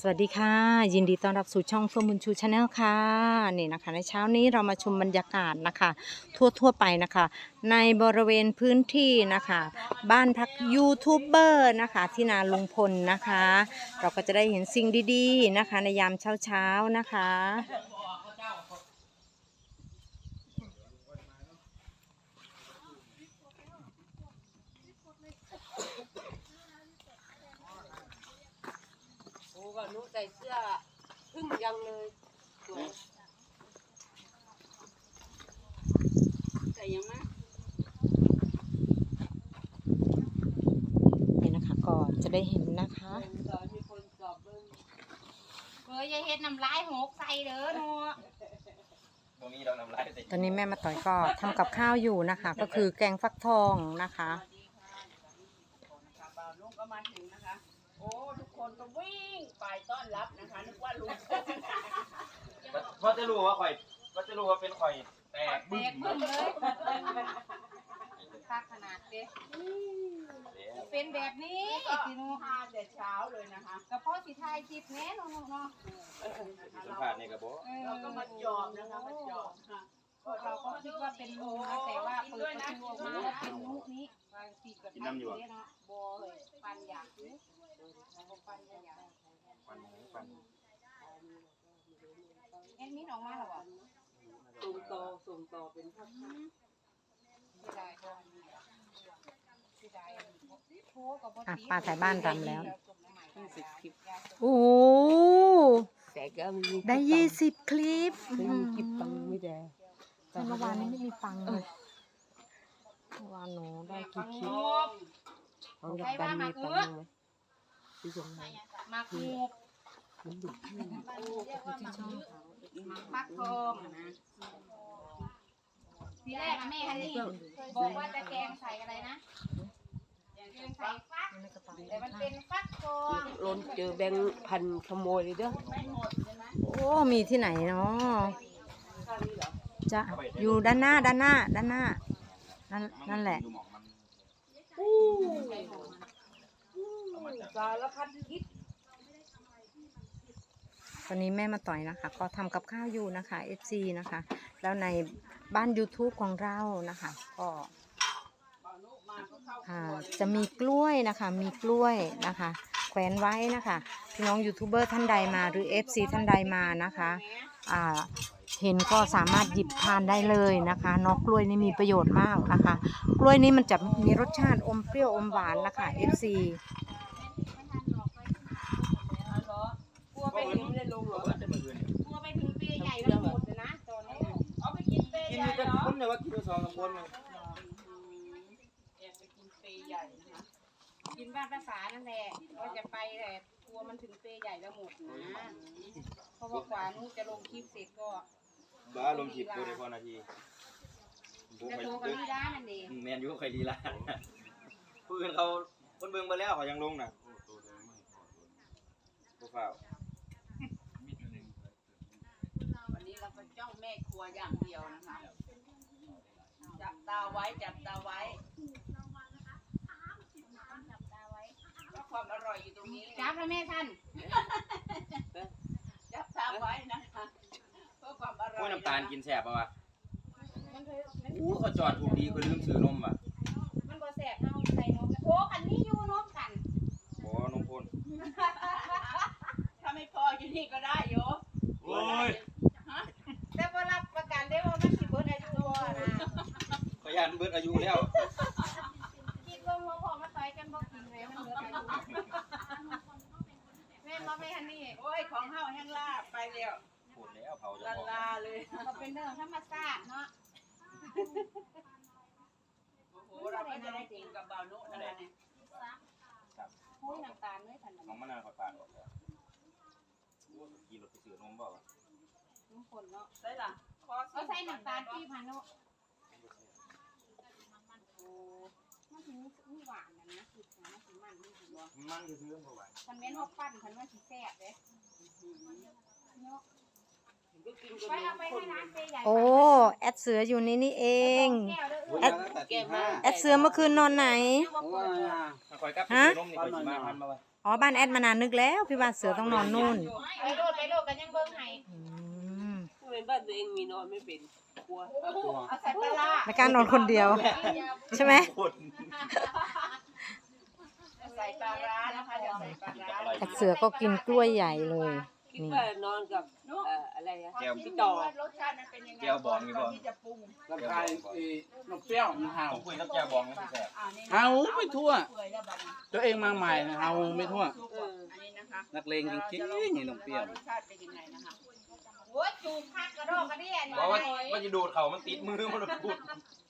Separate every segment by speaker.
Speaker 1: วัสดีค่ะยินดีต้อนรับสู่ช่องเฟิร์มบุญชูชาแนลค่ะนี่นะคะในเช้านี้เรามาชมบรรยากาศนะคะทั่วไปนะคะในบริเวณพื้นที่นะคะบ้านพักยูทูบเบอร์นะคะที่นาลุงพลนะคะเราก็จะได้เห็นสิ่งดีๆนะคะในยามเช้าๆนะคะ
Speaker 2: โอ้ก็นุใส่เสื้อพึ่งยังเลยสวยใส่ยังไง
Speaker 1: นี่นะคะก็จะได้เห็นนะคะ
Speaker 2: มีคนสอบเบิ้ง
Speaker 3: อย่าเฮ็ดน้ำลายหกใส่เด้อหนู
Speaker 4: ตรงนี้เรานำลายใส่
Speaker 1: ตอนนี้แม่มาต่อยก็ทำกับข้าวอยู่นะคะก็คือแกงฟักทองนะคะ
Speaker 2: บ่าวลุงก็มาถึงนะคะโอ้ทุกคนก็วิ่งไปต้อนรับนะคะนึกว่าลุง
Speaker 4: เพราะจะรู้ว่าข่อยก็จะรู้ว่าเป็นข่อยแตก
Speaker 3: แตกพึ่งเลยคักขนาดเด้เป็นแบบนี้
Speaker 2: ก็
Speaker 3: สิหนู
Speaker 2: ทานแต่เช้าเลยนะคะ
Speaker 3: กระเพาะสิทายจิตแน่เนาะเนาะ
Speaker 4: สัมผัสในกระบอก
Speaker 2: เราก็มาจอบนะคะมาจอบค่ะ
Speaker 3: พวกเราก็คิดว่าเป็นลุงนะแต่ว่าเปิดประตูออกมาแล้วเป็นนุนี้บางทีก็ทำอยู่เนาะบ่เลยปันอยากซื้อแล้วก็ปันอยาก
Speaker 4: ฟันหมูฟัน
Speaker 3: เอ็นมินออกมาแล้วบ่
Speaker 2: ส่งต่อเป็นภาพ
Speaker 3: สิได้บ่สิได้โทรก็บ่ติด
Speaker 1: ป้าถ่ายบ้านรำแล้ว
Speaker 2: 20 คลิป
Speaker 1: โอ้โห
Speaker 2: แต่ก็มี
Speaker 1: ได้20 คลิป
Speaker 2: คลิปตังไม่ได้
Speaker 1: แต่เมื่อวานนี้ไม่มีฟังเลยเมื่อวานหนูได้กี่คลิป
Speaker 2: เขาจะกันมีตังไหมที่ตรงไหน
Speaker 3: มักงู
Speaker 2: มันดุ
Speaker 3: ฟักทองนะทีแรกแม่ฮันนี่บอกว่าจะแกงใส่อะไรนะแกงใส่ฟักแต่มันเป็นฟักทอง
Speaker 2: ล้นเจอแบงค์พันขโมยเลยเด้อ
Speaker 1: โอ้มีที่ไหนเนาะจะอยู่ด้านหน้านั่นแหละ
Speaker 4: ดูหมองมัน
Speaker 2: สารพัดคิด
Speaker 1: ตอนนี้แม่มาต่อยนะคะ ก็ทำกับข้าวอยู่นะคะ FC นะคะ แล้วในบ้าน YouTube ของเรานะคะก็จะมีกล้วยนะคะมีกล้วยนะคะแขวนไว้นะคะพี่น้องยูทูบเบอร์ท่านใดมาหรือ FC ท่านใดมานะคะเห็นก็สามารถหยิบทานได้เลยนะคะเนอกกล้วยนี่มีประโยชน์มากนะคะ กล้วยนี้มันจะมีรสชาติอมเปรี้ยวอมหวานนะคะ FC
Speaker 3: กลัวไปถึง
Speaker 2: ไม่ได้ลงหรอ
Speaker 4: เปิดได้เมื่อคืน
Speaker 3: กลัวไปถึงเปียใหญ่แล้วหมดเลยนะตอนนี้เอาไปกินเปีย
Speaker 4: กิน
Speaker 3: ใหญ่
Speaker 4: แต่
Speaker 3: เหรอ
Speaker 4: คนเนี่ยว่ากินไป2-3คนเลย
Speaker 2: แอบไปกินเปย์ใหญ่นะคะ
Speaker 3: กินบ้านภาษานั่นแหละก็จะไปแต่กลัวมันถึงเปียใหญ่แล้วหมดนะเพราะว่ากว่านู้จะลงคลิปเสร็จก็
Speaker 4: บ้าลมฉีดตัวในพอนาทีผม
Speaker 3: จะ
Speaker 4: ไป
Speaker 3: โทรกันไม่ได้นั่นเอง
Speaker 4: แมนยูใครดีล่ะผู้อื่นเขาคนเบิ่งมาแล้วเขายังลงน่ะผู้ฝ่า
Speaker 2: วันนี้เราก็จ้องแม่ครัวอย่างเดียวนะคะจับตาไว้จับตาไว้ก็ความอร่อยอยู่ตรงนี้
Speaker 3: จับแล้วแม่ท่าน
Speaker 2: จับตาไว้นะคะเพื่อความอร่อย
Speaker 4: โอ้ยน้ำตาลกินแซ่บป่ะวะ
Speaker 3: มันเคยมัน
Speaker 4: อู้เขาจอดถูกดีเขาลืมซื้อนมอ่ะ
Speaker 3: มันบ่แสบเท่าใส่นมโอ้อันนี้อยู่นมกัน
Speaker 4: โอ้นมพ่น
Speaker 2: ถ้าไม่พออยู่นี่ก็ได้โย
Speaker 4: โอ้ย
Speaker 3: แต่บ่รับประกันได้ว่ามันสิเบิดอายุบ่นะ
Speaker 4: ขยันเบิดอายุแล้ว
Speaker 3: คิดว่าหัวพอมาต่อยกันบ่กินเลยมันเบิดอายุแม่มาไม่ทันนี่
Speaker 2: โอ้ยของเฮาแห้งลาบไปแล้ว
Speaker 4: พูดแล้วเผาจะ
Speaker 2: ลัน
Speaker 4: บอก
Speaker 2: ลาเลย
Speaker 3: ก็เป็นเรื่องธรรมชาติเนาะ
Speaker 2: โอ้โหเราก็จะได้กินกับบ่าวนุนั่นแหละเนี่ย
Speaker 3: โอ้ยน้ำตาลเลยทัน
Speaker 4: น้องมะนาวขอดปากออกแล้วกินรถไปซื้อนมบอกว่า
Speaker 3: น้ำฝนเนาะ
Speaker 2: ใช่ล่ะ
Speaker 3: เอาใส่น้ำตาลปี๊บหันเนาะโอ้มันถึงมีหวานนะคิดนะมันสิมันนี่สิบ่
Speaker 4: มันคือซื้อมาไหว
Speaker 3: คันแม่นว่าปั้นคันว่าสิแซ่บเด้เนาะ
Speaker 2: ก็กินกับ
Speaker 3: ไปเอาไปให้ร้านเปใหญ่
Speaker 1: โอ้แอดเสืออยู่นี่นี่เอง
Speaker 3: แก้วเด้อ
Speaker 1: แอด แอดเสือเมื่อคืนนอนไหน
Speaker 4: คอยกับซื้อนมนี่คอยสิมาพันมาไว้
Speaker 1: อ๋อบ้านแอดมานานนึกแล้วพี่ว่าเสือต้องนอนนู่น
Speaker 3: ไปโลดกันยังเบิ่งให้
Speaker 1: อืม
Speaker 2: ทำไมบ้านตัวเองมีนอนไม่เป็นกลัว
Speaker 3: เอาใส่ปลาร้า
Speaker 1: ไม่กล้านอนคนเดียว ใช่ไหม
Speaker 3: ใส่ปลาร้านะคะเดี๋ยวใส่ปลาร้า
Speaker 1: แต่เสือก็กินกล้วยใหญ่เลย
Speaker 2: คิด
Speaker 1: นี่
Speaker 2: ว่านอนกับอะไรอะ
Speaker 4: แก้ว
Speaker 2: พี่ต่อ
Speaker 3: รสชาติมันเป็นยังไง
Speaker 4: แก้วบองมีบ่
Speaker 3: ที่จะปรุง
Speaker 5: ลำไส้นกเปรี้ยวมันเห่า
Speaker 4: ผมคุยกับแก้วบองไม่ใช่แซ่บ
Speaker 3: นี่
Speaker 5: เห่าไม่ทั่ว
Speaker 3: เปื่อยแล้วบัดนี้
Speaker 5: ตัวเองมาใหม่นะเห่าไม่ทั่ว
Speaker 3: อันนี้นะคะ
Speaker 5: นักเลงจริงๆนี่นกเปรี้ยว
Speaker 3: รสชาติเป็นยังไงนะคะโอ้ยจูบคักกระดอกกระเดี่ย
Speaker 4: เพราะว่ามันจะดูดเขามันติดมือมันพูด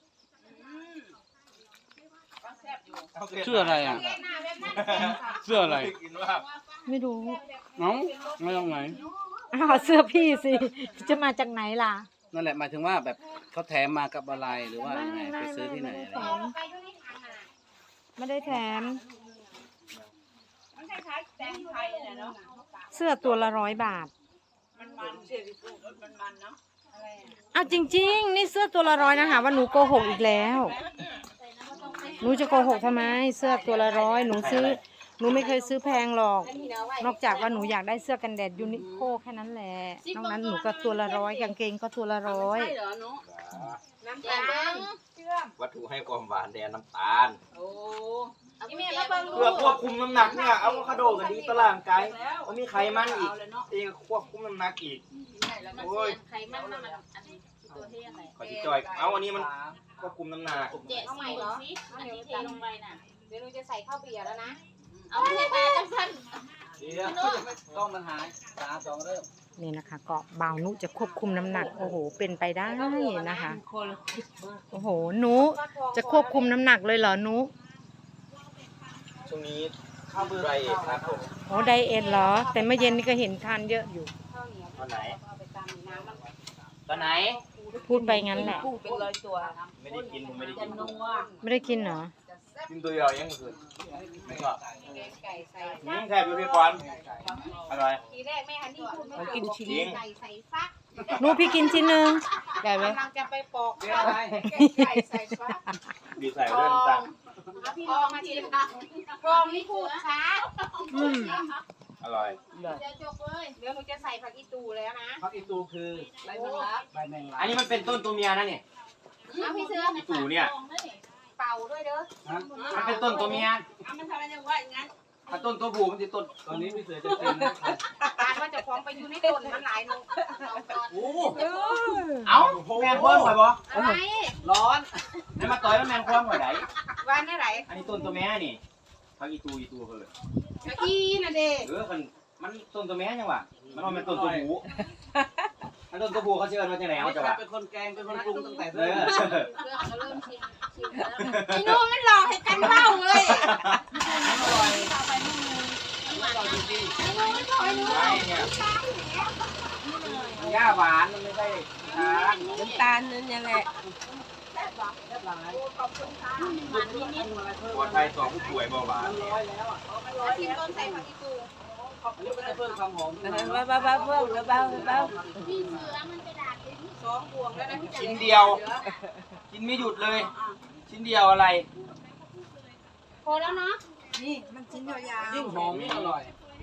Speaker 3: ก็แซ่บอยู่
Speaker 5: เสื้ออะไรอ่ะ
Speaker 3: เกหน้าแบบนั้นเก่งค่ะ
Speaker 5: เสื้ออะไร
Speaker 4: กินว่า
Speaker 1: ไม่รู้
Speaker 5: น้องมาจากไหน
Speaker 1: อ้าวเสื้อพี่สิ จะมาจากไหนล่ะ
Speaker 5: นั่นแหละหมายถึงว่าแบบเขาแถมมากับอะไรหรือว่ายังไงไปซื้อที่ไหนอะไร
Speaker 3: เอาลงไปอยู่ในถังอ่ะ
Speaker 1: ไม่ได้แถม
Speaker 3: มันคล้ายๆแตงไทยเนี่ยเนาะ
Speaker 1: เสื้อตัวละ100 บาท
Speaker 3: มันมันเนาะอะไรอ่ะ
Speaker 1: อ้าวจริง ๆ นี่เสื้อตัวละ100นะคะว่าหนูโกหกอีกแล้ว หนูจะโกหกทำไม เสื้อตัวละ100หนูซื้อ หนูไม่เคยซื้อแพงหรอก นอกจากว่าหนูอยากได้เสื้อกันแดดยูนิโคแค่นั้นแหละ นอกนั้นหนูก็ตัวละ100กางเกงก็ตัวละ100
Speaker 2: ใช่เหรอหนูน้ำตาล
Speaker 4: วัตถุให้ความหวานแดนน้ำตาล
Speaker 2: โอ้
Speaker 3: อีเมลมาเบิ่ง
Speaker 4: เพื่อควบคุมน้ำหนักเนี่ยอะโวคาโดก็ดีต่อร่างกายมันมีไขมันอีกเองควบคุมน้ำหนักอีกโอ้ย
Speaker 3: ไขมันมันอันนี้ตัวที่ยังไง
Speaker 4: ขอจิจอยเอาอันนี้มันควบคุมน้ำหนัก
Speaker 3: เจ๊ใส่เหรออันนี้เทลงไปน่ะ
Speaker 2: เดี๋ยวหนูจะใส่ข้าวเบียร์แล้วนะ
Speaker 3: เอาเทปลาจังสั้น
Speaker 5: เดี๋ยวต้องมันหาย3 2เริ่ม
Speaker 1: นี่นะคะก็บ่าวนุจะควบคุมน้ำหนักโอ้โหเป็นไปได้นะคะโอ้โหหนูจะควบคุมน้ำหนักเลยเหรอหนู
Speaker 4: ช่วงนี้ข้าวเบื่อไรครับผม
Speaker 1: โอ้ไดเอทเหรอ แต่เมื่อเย็นนี่ก็เห็นทานเยอะอยู่
Speaker 2: ข้าวเหนียว
Speaker 4: ตอนไหน
Speaker 2: เอาไปตำน้ำมัน
Speaker 4: ตอนไหน
Speaker 1: พูดไปงั้นแหละ
Speaker 2: กุ้งเป็นร้อยตัว
Speaker 4: ไม่ได้กินผมไม่ได้กิน
Speaker 2: นัว
Speaker 1: ไม่ได้กินเหรอ
Speaker 4: กินตัวเดียวยังคือไม่ก็
Speaker 2: ไก่ใส่
Speaker 4: แค่ดูพี่ปอนอร่อย
Speaker 2: ทีแรกแม่ฮันนี่พูดไม่
Speaker 4: กินชิ้น
Speaker 2: ไก่ใส่ฟัก
Speaker 1: หนูพี่กินชิ้นหนึ่งได้ไหม
Speaker 2: กำลังจะไปปอก
Speaker 5: เดี๋ยวอะไร
Speaker 2: ไก่ใส่ฟัก
Speaker 4: ดีใส่เรื่องต่าง
Speaker 2: เอาพี่ลองมาทีละกรองนี่พูดช้า
Speaker 4: อร่อย
Speaker 2: เดี๋ยวจบเลยเดี๋ยวหนูจะใส่ผักอีตูแล้วนะ
Speaker 5: พักอีตูคือใบแมงลักใบแมงลัก
Speaker 4: อันนี้มันเป็นต้นตัวเมียนะเนี่ย
Speaker 2: เอาพี่เสือ
Speaker 4: อีตู่เนี่ย
Speaker 2: เป่าด้วยเด้อ
Speaker 5: ฮะ
Speaker 4: มันเป็นต้นตัวเมีย
Speaker 2: เอามันทำอะไรอย่างว่าอย่างนั้น
Speaker 4: ถ้าต้นตัวผู้มันจะต้น
Speaker 5: ตอนนี้พี่เสือจะกินนะ
Speaker 2: การว่าจะพร้อมไปอยู่ในต้นมันหลายหนู
Speaker 5: โอ้
Speaker 4: เอ้าแมนคว่ำหอยบ่
Speaker 2: อะไร
Speaker 5: ร้อน
Speaker 4: แล้วมาต่อยแล้วแมนคว่ำหอยไหน
Speaker 2: วันนี้ไหน
Speaker 4: อันนี้ต้นตัวแม่นี่พักอีตูเพิ่น
Speaker 2: เมื่อกี้น่ะเด็ก
Speaker 4: มันต้นตัวแม่ยังวะมันว่ามันต้นตัวผู้อันต้นตัวผู้เขาเชื่อมาจากไหนเอาจ้ะวะ
Speaker 5: เป็นคนแกงเป็นคนปรุงตั้งแต่
Speaker 4: เอ
Speaker 5: เริ่
Speaker 4: อ
Speaker 5: ม
Speaker 3: เริ่มชิมแล้ว
Speaker 2: ไอ้นู้นมันหลอกให้กันเล่าเลย
Speaker 5: อร่อยอร่อยจริง
Speaker 2: ไอ้นู้นมันหลอกไอ้นู้น
Speaker 4: ใช่เนี่ยหญ้าหวานมันไม่ใช่ทาน
Speaker 2: น้ำตาลนั่นนี่แหละ
Speaker 4: ปลอดภัยต่อผู้ป่วยเบาหวาน
Speaker 2: ชิมต้นใส่ผักอีตู
Speaker 5: อันนี้ก็จะเพิ่มความหอมขึ้นมา
Speaker 2: เบาเพิ่มเบา
Speaker 3: พี่เสือมันไปด่าเป็น
Speaker 2: สองบวงแล้วนะพี่
Speaker 4: ชิ้นเดียว กินไม่หยุดเลย ชิ้นเดียวอะไร
Speaker 3: พอแล้วเนาะ
Speaker 2: นี่มันชิ้นยาว
Speaker 5: ยิ่งหอมยิ่งอร่อย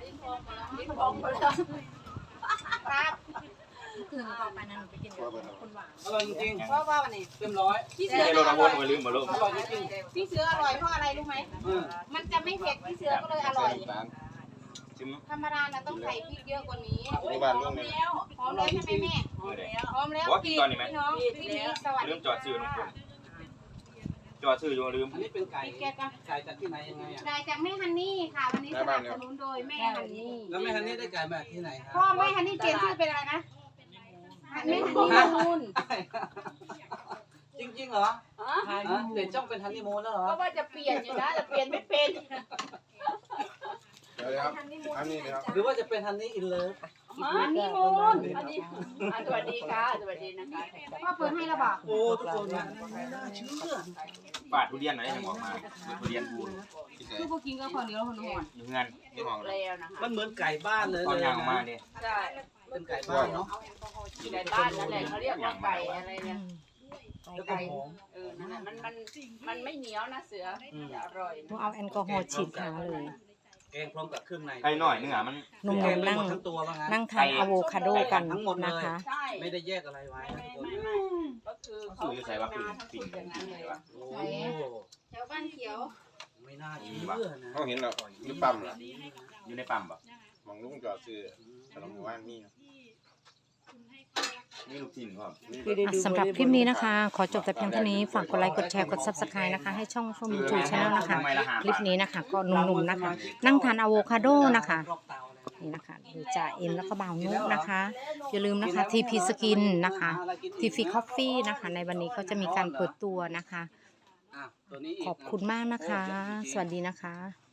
Speaker 2: ครับ
Speaker 3: คืนต่อไปนั้นหนูไปกินกับคนหวาน
Speaker 5: อร่อยจริง
Speaker 2: เพราะว่าวันนี้
Speaker 5: ๆเต็มร้อย
Speaker 2: พี่
Speaker 4: ไม่
Speaker 2: เสือ
Speaker 4: ใช่โรนาโวลมาลืมมาลูก
Speaker 5: อร่อยจริง
Speaker 2: พี่เสืออร่อยเพราะอะไรรู้ไหม
Speaker 5: ๆ
Speaker 2: มันจะไม่เผ็ดพี่เสือก็เลยอร่อย
Speaker 4: ชิม
Speaker 2: ธรรมดาน่ะต้องใส่พริกเยอะกว่านี้
Speaker 4: ที่บ้านลูกเนี่ย
Speaker 2: พร้อมแล้วใช่ไหมแม่ พร้อมแล้ว
Speaker 4: บอกกินตอนนี้ไหม
Speaker 2: พี่น้องพี่นี้สวัส
Speaker 4: ลื
Speaker 2: ดี
Speaker 4: มจอดซื้อน้องคนจอดซื้ออยู่ลืม
Speaker 5: อันนี้เป็นไก่
Speaker 2: พี่แกก็
Speaker 5: ไก่จากที่ไหนยังไงอ่ะ
Speaker 2: ได้จากแม่ฮันนี่ค่ะ วันนี้สนับสนุนโดยแม่ฮันนี่
Speaker 5: แล้วแม่ฮันนี่ได้ไก่มาจากที่ไหนค
Speaker 2: พ่อ
Speaker 5: รับ
Speaker 2: แม่ฮันนี่เปลี่ยนชื่อเป็นอะไรนะแม่ฮันนี่ละมุน
Speaker 5: จริงๆเหรอฮะเปลี่ยนช่องเป็นฮันนี่มูนแล้วเหรอ
Speaker 2: ก็ว่าจะเปลี่ยนอยู่นะแต่เปลี่ยนไม่เป็น
Speaker 6: เดี๋ยวครับอันนี้นะครับ
Speaker 5: หรือว่าจะเป็นฮันนี่อินเลิฟ
Speaker 2: ฮันนี่มูน
Speaker 3: สวัสดีค่ะ สวัสดีนะคะ
Speaker 2: พ่อเปิดให้แล้วบอก
Speaker 5: โอ้ทุกคนนะไม่น่าเชื่อ
Speaker 4: ปาดทุเรียนหน่อยยังออกมาทุเรียนบูน
Speaker 2: คือพวกกินก็คนเดียวคนหอน
Speaker 4: อยู่เงินไม่มองเลย
Speaker 3: แล้วนะคะ
Speaker 5: มันเหมือนไก่บ้านเลย
Speaker 4: ตอน
Speaker 5: เลย
Speaker 4: ยางออกมา
Speaker 5: นะ
Speaker 4: เนี่ย
Speaker 3: ใช่
Speaker 5: เป็นไก่บ้านเนาะ
Speaker 3: ไก่บ้านนั่นแหละเขาเรียกว่าไก่อะไรเนี่ย
Speaker 5: แล้วก็หอม
Speaker 3: นั่นแหละมันไม่เหนียวนะเสือจะอร่อย
Speaker 1: หนูเอาแอลกอฮอล์ฉีดขาเลย
Speaker 5: แกงพร้อมกับเครื่องใน
Speaker 4: ไก่หน่อยนึงอ่ะมัน
Speaker 1: หนุ่ม
Speaker 5: แกง
Speaker 1: ๆ
Speaker 5: ไม่
Speaker 1: นั่ง
Speaker 5: หมดทั้งตัวว่างั้น
Speaker 1: นั่งทานอะโวคาโดกัน
Speaker 5: ทั้งหมดเลย
Speaker 1: นะคะ
Speaker 2: ใช่
Speaker 5: ไม่ได้แยกอะไรไว้นะทุกคน
Speaker 2: ไม่ก็คือ
Speaker 4: เขาสื่อใส่ว่าปิ่ง
Speaker 2: ทั้ง
Speaker 4: ปิ่ง
Speaker 2: สุดอย่างนั้นเลย
Speaker 4: วะ
Speaker 5: โอ้
Speaker 3: แถวบ้านเขียว
Speaker 5: ไม่น่าเชื่อนะ
Speaker 6: เขาเห็นเราหรือปั๊มล่ะ
Speaker 4: อยู่ในปั๊มปะ
Speaker 6: มองลุงจอดซื้อขนมหมู่บ้านมี
Speaker 4: นี่ลูกชิ้นครับ
Speaker 1: สำหรับคลิปนี้นะคะ ขอจบแต่เพียงเท่านี้ ฝากกดไลค์กดแชร์กด Subscribe นะคะ ให้ช่องเฟื่องบุญชูชาแนลนะคะ คลิปนี้นะคะ ก็หนุ่มๆนะคะ นั่งทานอะโวคาโดนะคะ
Speaker 5: รอบเตาแล้ว
Speaker 1: นี่นะคะดูจ่าเอ็มแล้วก็บ่าวนุกนะคะ อย่าลืมนะคะ TP Skin นะคะ TP Coffee นะคะ ในวันนี้เขาจะมีการเปิดตัวนะคะ
Speaker 5: อ่ะตัวนี้อีก
Speaker 1: ขอบคุณมากนะคะ สวัสดีนะคะ